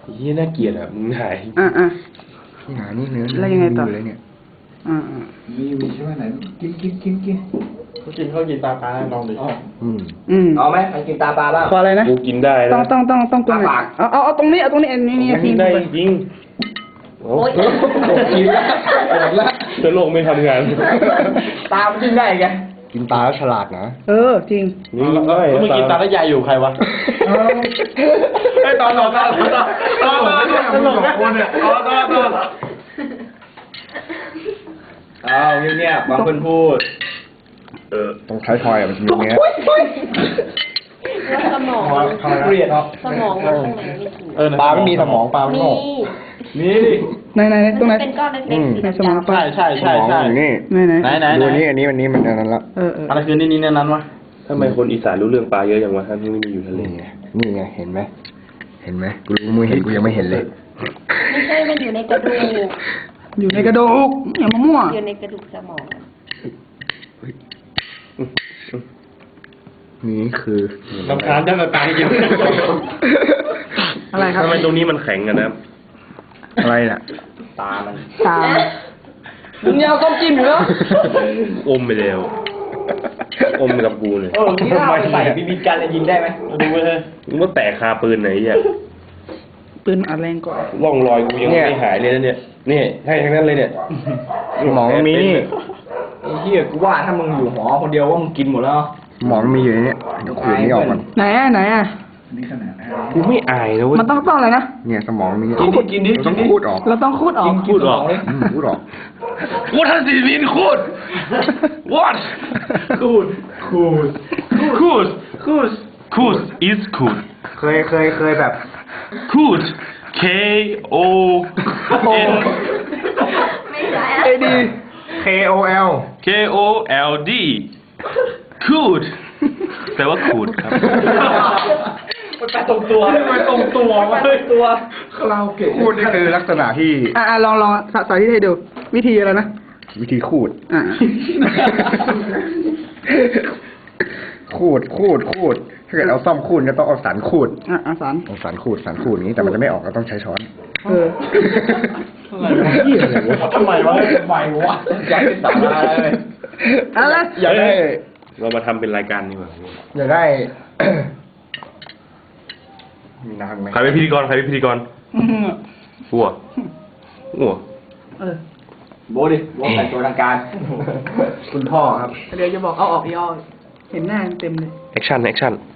ยี่น่าเกลียดอ่ะมึงหายที่หานี่เนื้อแล้วยังไงต่อเลยเนี่ยมีใช่ไหมไหนกินเขากินตาปลาลองดิเอาไหมมันกินตาปลาบ้างขออะไรนะกูกินได้นะต้องตรงไหนเอาตรงนี้นี่กินได้จริงโอ้ยกินแล้วจะโลกไม่ทำงานตามันกินได้ไงกินตาแล้วฉลาดนะจริงนี่ได้แล้วมึงกินตาแล้วยายอยู่ใครวะไอ้ตอนหลอกกันตอนหลอกกันตลกนะคนเนี่ยตอนเอาเงียบๆบางคนพูดต้องใช้ทอยมันจะมีเนี้ยแล้วสมองเครียดสมองมันข้างในไม่ถูกปลาไม่มีสมองปลาไม่มีโง่นี่ดิไหนตรงไหนเป็นก้อนเล็กๆสีในสมองดำปลาใช่สมองอยู่นี่ไหนดูนี่อันนี้มันอันนั้นละอะไรคือนี่นั้นวะทำไมคนอีสานรู้เรื่องปลาเยอะอย่างวะท่านที่ไม่อยู่ทะเลนี่ไงเห็นไหมกูรู้มือเห็นกูยังไม่เห็นเลยไม่ใช่มันอยู่ในกระดูกอยู่ในกระดูกอย่ามามั่วอยู่ในกระดูกสมองนี่คือลำคาญจังเลยตากินอะไรครับทำไมตรงนี้มันแข็งกันนะอะไรน่ะตามันตามึงยาวต้มจิ้มอยู่แล้วอมไปแล้วอมกับกูเลยที่ข้าวใส่บีบีกันจะยิงได้ไหมดูไปเลยมึงว่าแตกคาปืนไหนอ่ะปืนอัดแรงกว่าร่องรอยกูยังไม่หายเลยนะเนี่ยนี่ให้ทั้งนั้นเลยเนี่ยสมองมีนี่ไอ้เหี้ยกูว่าถ้ามึงอยู่หอคนเดียวว่ามึงกินหมดแล้วสมองมีอยู่ในนี้เดี๋ยวขูดนี่ออกก่อนไหนอ่ะกูไม่อายนะเว้ยมันต้องอะไรนะเนี่ยสมองมีกินดิต้องขูดออกเราต้องคูดออกพูดออกขูดออก What does it mean คูด What คูดคูด is คูดเคยแบบคูด K O N ไม่ใช่ดี KOL K O L D คูดแปลว่าคูดครับมันไปตรงตัวมันตรงตัวมันตรงตัวคาราโอเกะขูดนี่คือลักษณะที่ลองสาธิตให้ดู วิธีอะไรนะวิธีขูดอ่าขูดถ้าเกิดเอาซ่อมขูดก็ต้องเอาสันขูดอาสารเอาสันขูดอย่างนี้แต่มันจะไม่ออกก็ต้องใช้ช้อนทำไมวะอยากเป็นสาระเลยอะไรอยากได้เรามาทำเป็นรายการนี่หว่าอยากได้ มีน้ำไหมใครเป็นพิธีกรหัวโบดิโบแต่งตัวทางการคุณพ่อครับเดี๋ยวจะบอกเอาออกย่อเห็นหน้าเต็มเลยแอคชั่น